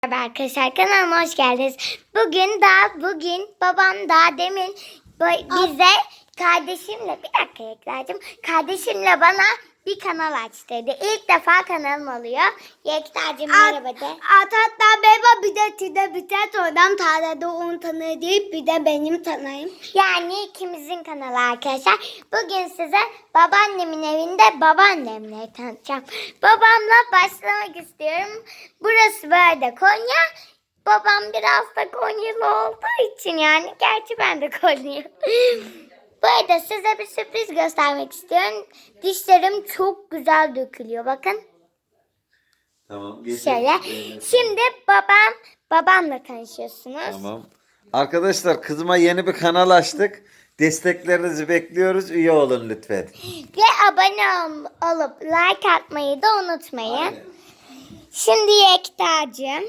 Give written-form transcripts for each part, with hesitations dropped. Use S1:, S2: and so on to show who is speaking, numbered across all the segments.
S1: Merhaba arkadaşlar, kanalıma hoş geldiniz. Bugün babam daha demin bize kardeşimle kardeşimle bana bir kanal aç dedi. İlk defa kanalım oluyor. Yekta'cığım merhaba de.
S2: Hatta merhaba bir de oradan tarlada onu tanır deyip bir de benim tanıyım.
S1: Yani ikimizin kanalı arkadaşlar. Bugün size babaannemin evinde babaannemle tanıtacağım. Babamla başlamak istiyorum. Burası böyle Konya. Babam biraz da Konyalı olduğu için yani. Gerçi ben de Konyalıyım. Bu arada size bir sürpriz göstermek istiyorum. Dişlerim çok güzel dökülüyor. Bakın.
S3: Tamam.
S1: Şöyle. Şimdi babamla tanışıyorsunuz.
S3: Tamam. Arkadaşlar kızıma yeni bir kanal açtık. Desteklerinizi bekliyoruz. Üye olun lütfen.
S1: Ve abone olup like atmayı da unutmayın.
S3: Aynen.
S1: Şimdi Yekta'cığım.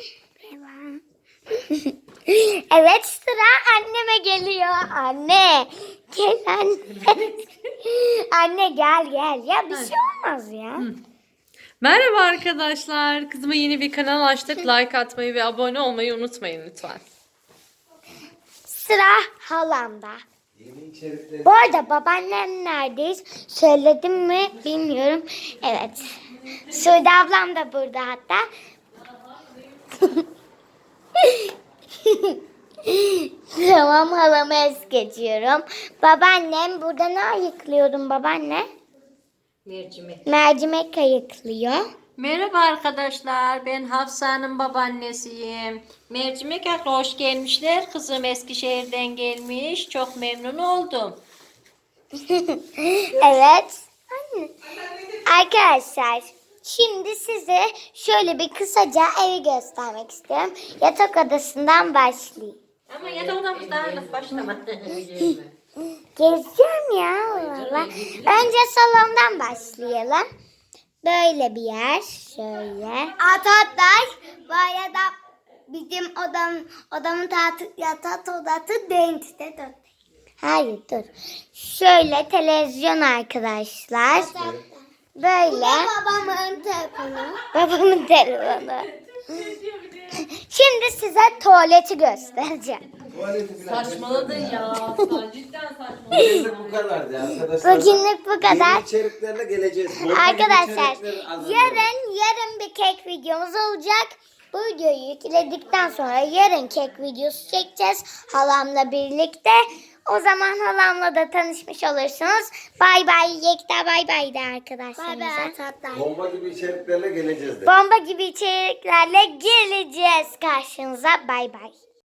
S1: Evet, sıra anneme geliyor. Anne. Gel anne. Anne gel. Ya bir şey olmaz ya.
S4: Merhaba arkadaşlar. Kızıma yeni bir kanal açtık. Like atmayı ve abone olmayı unutmayın lütfen.
S1: Sıra halamda. Bu arada babaannem neredeyiz? Söyledim mi bilmiyorum. Evet. Suudi ablam da burada hatta. Tamam, halamı es geçiyorum. Babaannem burada ne ayıklıyorum babaanne? Mercimek ayıklıyor.
S5: Merhaba arkadaşlar, ben Hafsa'nın babaannesiyim. Mercimek akla hoş gelmişler. Kızım Eskişehir'den gelmiş. Çok memnun oldum.
S1: Evet. Arkadaşlar, şimdi size şöyle bir kısaca evi göstermek istiyorum. Yatak odasından başlayayım.
S5: Ama yatak odamız daha henüz başlamadı.
S1: Gezeceğim ya valla. Önce salondan başlayalım. Böyle bir yer. Şöyle.
S2: Hatta bu arada bizim odamın yatak odası denizde dört.
S1: Hayır dur. Şöyle televizyon arkadaşlar. Böyle.
S2: Babamın telefonu.
S1: Babamın telefonu. Şimdi size tuvaleti göstereceğim.
S4: Saçmaladın ya. Cidden saçmaladın.
S3: Bugünlük bu kadardı arkadaşlar.
S1: Bugünlük bu kadar.
S3: Yeni içeriklerle geleceğiz. Bomba gibi
S1: Arkadaşlar
S3: içerikler hazırlayalım.
S1: yarın bir kek videomuz olacak. Bu videoyu yükledikten sonra yarın kek videosu çekeceğiz halamla birlikte. O zaman halamla da tanışmış olursunuz. Bay bay Yekta, bay bay de arkadaşlarımıza.
S3: Bomba gibi içeriklerle geleceğiz de.
S1: Bomba gibi içeriklerle geleceğiz karşınıza. Bay bay.